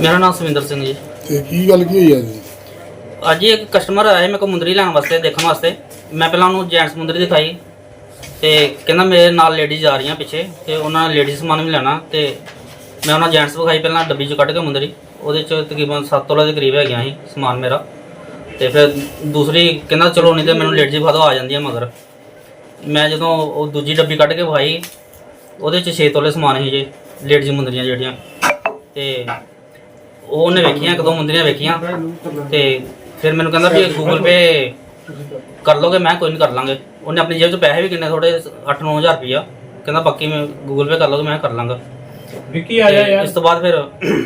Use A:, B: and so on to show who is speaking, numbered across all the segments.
A: ਮੇਰਾ ਨਾਮ ਸਵਿੰਦਰ ਸਿੰਘ ਜੀ।
B: ਤੇ ਕੀ ਗੱਲ ਕੀ ਹੋਈ ਅੱਜ?
A: ਅੱਜ ਹੀ ਇੱਕ ਕਸਟਮਰ ਆਇਆ ਮੇਰੇ ਕੋਲ ਮੁੰਦਰੀ ਲੈਣ ਵਾਸਤੇ, ਦੇਖਣ ਵਾਸਤੇ। ਮੈਂ ਪਹਿਲਾਂ ਉਹਨੂੰ ਜੈਂਟਸ ਮੁੰਦਰੀ ਦਿਖਾਈ ਤੇ ਕਹਿੰਦਾ ਮੇਰੇ ਨਾਲ ਲੇਡੀਜ਼ ਆ ਰਹੀਆਂ ਪਿੱਛੇ ਤੇ ਉਹਨਾਂ ਨੇ ਲੇਡੀਜ਼ ਸਮਾਨ ਵੀ ਲੈਣਾ, ਤੇ ਮੈਂ ਉਹਨਾਂ ਜੈਂਟਸ ਵਿਖਾਈ ਪਹਿਲਾਂ ਡੱਬੀ 'ਚ ਕੱਢ ਕੇ ਮੁੰਦਰੀ। ਉਹਦੇ 'ਚ ਤਕਰੀਬਨ 7 ਤੋਲੇ ਦੇ ਕਰੀਬ ਹੈਗੀਆਂ ਸੀ ਸਮਾਨ ਮੇਰਾ। ਤੇ ਫਿਰ ਦੂਸਰੀ ਕਹਿੰਦਾ ਚਲੋ ਨਹੀਂ ਤੇ ਮੈਨੂੰ ਲੇਡੀਜ਼ ਵਿਖਾ ਦਿਓ, ਆ ਜਾਂਦੀਆਂ ਮਗਰ। ਮੈਂ ਜਦੋਂ ਉਹ ਦੂਜੀ ਡੱਬੀ ਕੱਢ ਕੇ ਵਿਖਾਈ ਉਹਦੇ 'ਚ 6 ਤੋਲੇ ਸਮਾਨ ਸੀ ਜੇ ਲੇਡੀਜ਼ ਮੁੰਦਰੀਆਂ ਜਿਹੜੀਆਂ। ਤੇ ਉਹਨੇ ਵੇਖੀਆਂ, ਇੱਕ ਦੋ ਮੁੰਦਰੀਆਂ ਵੇਖੀਆਂ ਤੇ ਫਿਰ ਮੈਨੂੰ ਕਹਿੰਦਾ ਵੀ ਗੂਗਲ ਪੇ ਕਰ ਲੋਗੇ? ਮੈਂ ਕੋਈ ਨਹੀਂ ਕਰ ਲਾਂਗੇ। ਉਹਨੇ ਆਪਣੀ ਜੇਬ 'ਚ ਪੈਸੇ ਵੀ ਕਿੰਨੇ ਥੋੜੇ 8-9 ਹਜ਼ਾਰ ਰੁਪਈਆ ਕਹਿੰਦਾ, ਬਾਕੀ ਮੈਂ ਗੂਗਲ ਪੇ ਕਰ ਲੋਗੇ? ਮੈਂ ਕਰ ਲਾਂਗਾ।
C: ਵਿੱਕੀ ਆ ਜਾ ਯਾਰ।
A: ਇਸ ਤੋਂ ਬਾਅਦ ਫਿਰ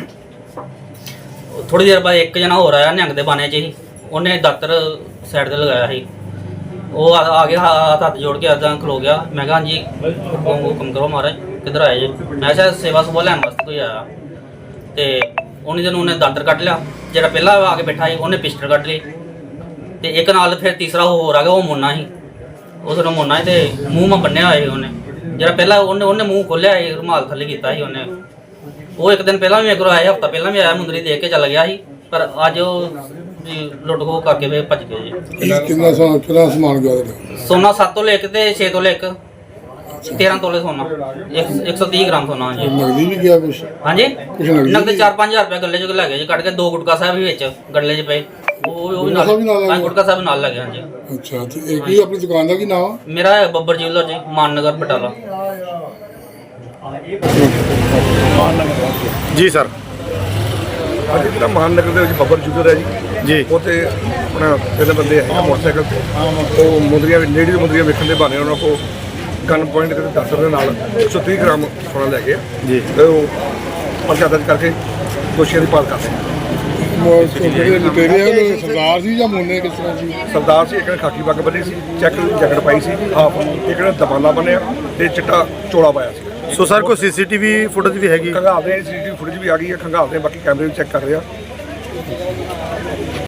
A: ਥੋੜੀ ਦੇਰ ਬਾਅਦ ਇੱਕ ਜਣਾ ਹੋਰ ਆਇਆ ਨਿਹੰਗ ਦੇ ਬਾਣੇ 'ਚ ਹੀ। ਉਹਨੇ ਦਾਤਰ ਸਾਈਡ ਤੇ ਲਗਾਇਆ ਸੀ। ਉਹ ਆ ਗਿਆ, ਹੱਥ ਜੋੜ ਕੇ ਇੱਦਾਂ ਖਲੋ ਗਿਆ। ਮੈਂ ਕਿਹਾ ਹਾਂਜੀ ਹੁਕਮ ਕਰੋ ਮਹਾਰਾਜ, ਕਿੱਧਰ ਆਏ ਜੀ? ਮੈਂ ਸ਼ਾਇਦ ਸੇਵਾ ਸੁਭਾ ਲੈਣ ਵਾਸਤੇ ਕੋਈ ਆਇਆ। ਤੇ ਉਹਨੇ ਜਦੋਂ ਉਹਨੇ ਦਾਤਰ ਕੱਢ ਲਿਆ, ਜਿਹੜਾ ਪਹਿਲਾਂ ਆ ਕੇ ਬੈਠਾ ਸੀ ਉਹਨੇ ਪਿਸਟਲ ਕੱਢ ਲਈ, ਤੇ ਇੱਕ ਨਾਲ ਫਿਰ ਤੀਸਰਾ ਹੋਰ ਆ ਗਿਆ। ਉਹ ਮੁੰਨਾ ਸੀ, ਉਹ ਸਿਰੋਂ ਮੁੰਨਾ ਸੀ ਤੇ ਮੂੰਹ ਮਾ ਬੰਨਿਆ ਹੋਇਆ ਸੀ ਉਹਨੇ। ਜਿਹੜਾ ਪਹਿਲਾਂ ਉਹਨੇ ਮੂੰਹ ਖੋਲਿਆ ਸੀ, ਰੁਮਾਲ ਥੱਲੇ ਕੀਤਾ ਸੀ ਉਹਨੇ। ਉਹ ਇੱਕ ਦਿਨ ਪਹਿਲਾਂ ਵੀ ਮੇਰੇ ਕੋਲ ਆਇਆ, ਹਫ਼ਤਾ ਪਹਿਲਾਂ ਵੀ ਆਇਆ, ਮੁੰਦਰੀ ਦੇਖ ਕੇ ਚੱਲ ਗਿਆ ਸੀ। ਪਰ ਅੱਜ ਉਹ ਲੁੱਟ ਖੋਹ ਕਰਕੇ ਫਿਰ ਭੱਜ ਗਏ ਜੀ।
B: ਕਿੰਨਾ ਸਮਾਨ ਗਿਆ ਤੁਹਾਡਾ?
A: ਸੋਨਾ 7 ਤੋਲੇ ਇੱਕ ਤੇ 6 ਤੋਲੇ ਇੱਕ, 13 ਤੋਲੇ ਸੋਨਾ, 130 ਗ੍ਰਾਮ ਸੋਨਾ ਜੀ।
B: ਨਗਦੀ ਵੀ ਗਿਆ ਕੁਛ?
A: ਹਾਂਜੀ,
B: ਕੁਛ ਨਗਦੀ
A: ਨਗਦ 4-5 ਹਜ਼ਾਰ ਰੁਪਏ ਗੱਲੇ 'ਚ ਲੈ ਗਏ ਜੀ ਕੱਢ ਕੇ। 2 ਗੁਟਕਾ ਸਾਹਿਬ ਵੀ ਵਿੱਚ ਗੱਲੇ 'ਚ ਪਏ, ਉਹ ਵੀ ਨਾਲ। ਹਾਂ, ਗੁਟਕਾ ਸਾਹਿਬ ਨਾਲ ਲੈ ਗਏ। ਹਾਂਜੀ।
B: ਅੱਛਾ, ਤੇ ਇਹ ਕੀ ਆਪਣੀ ਦੁਕਾਨ ਦਾ ਕੀ ਨਾਮ ਆ?
A: ਮੇਰਾ ਹੈ ਬੱਬਰ ਜਿਊਲਰ ਜੀ, ਮਾਨਨਗਰ ਬਟਾਲਾ।
D: ਜੀ ਸਰ।
E: ਅੱਜ ਜਿਹੜਾ ਮਹਾਨਗਰ ਦੇ ਵਿੱਚ ਬੱਬਰ ਜੁਗਰ ਹੈ ਜੀ, ਉੱਥੇ ਆਪਣਾ ਪਹਿਲੇ ਬੰਦੇ ਆਏ ਮੋਟਰਸਾਈਕਲ ਤੇ, ਉਹ ਮੁੰਦਰੀਆਂ ਲੇਡੀਜ਼ ਮੁੰਦਰੀਆਂ ਵੇਖਣ ਦੇ ਬਹਾਨੇ ਉਹਨਾਂ ਕੋਲ ਗਨ ਪੁਆਇੰਟ ਕਰਕੇ ਦਾਤਰ ਦੇ ਨਾਲ 130 ਗ੍ਰਾਮ ਸੋਨਾ ਲੈ ਗਏ ਜੀ। ਤੇ ਉਹ ਪਰਚਾ ਦਰਜ ਕਰਕੇ ਦੋਸ਼ੀਆਂ ਦੀ ਭਾਲ ਕਰਦੇ।
B: ਲੁਟੇਰੇ ਸਰਦਾਰ ਸੀ ਜਾਂ ਮੋਨੇ ਕਿਸ ਤਰ੍ਹਾਂ ਸੀ?
E: ਸਰਦਾਰ ਸੀ, ਇੱਕ ਨੇ ਖਾਕੀ ਪੱਗ ਬੰਨੀ ਸੀ, ਚੈੱਕ ਜੈਕਟ ਪਾਈ ਸੀ ਹਾਫ, ਇੱਕ ਨੇ ਦਬਾਨਾ ਬੰਨਿਆ ਤੇ ਚਿੱਟਾ ਚੋਲਾ ਪਾਇਆ ਸੀ।
D: ਸੋ ਸਰ ਕੋਈ ਸੀਸੀਟੀਵੀ ਫੁਟੇਜ ਵੀ ਹੈਗੀ?
E: ਖੰਗਾਲਦੇ ਸੀਸੀਟੀਵੀ ਫੁਟੇਜ ਵੀ ਆ ਗਈ ਹੈ, ਖੰਗਾਲਦੇ ਬਾਕੀ ਕੈਮਰੇ ਵੀ ਚੈੱਕ ਕਰ ਰਹੇ ਆ।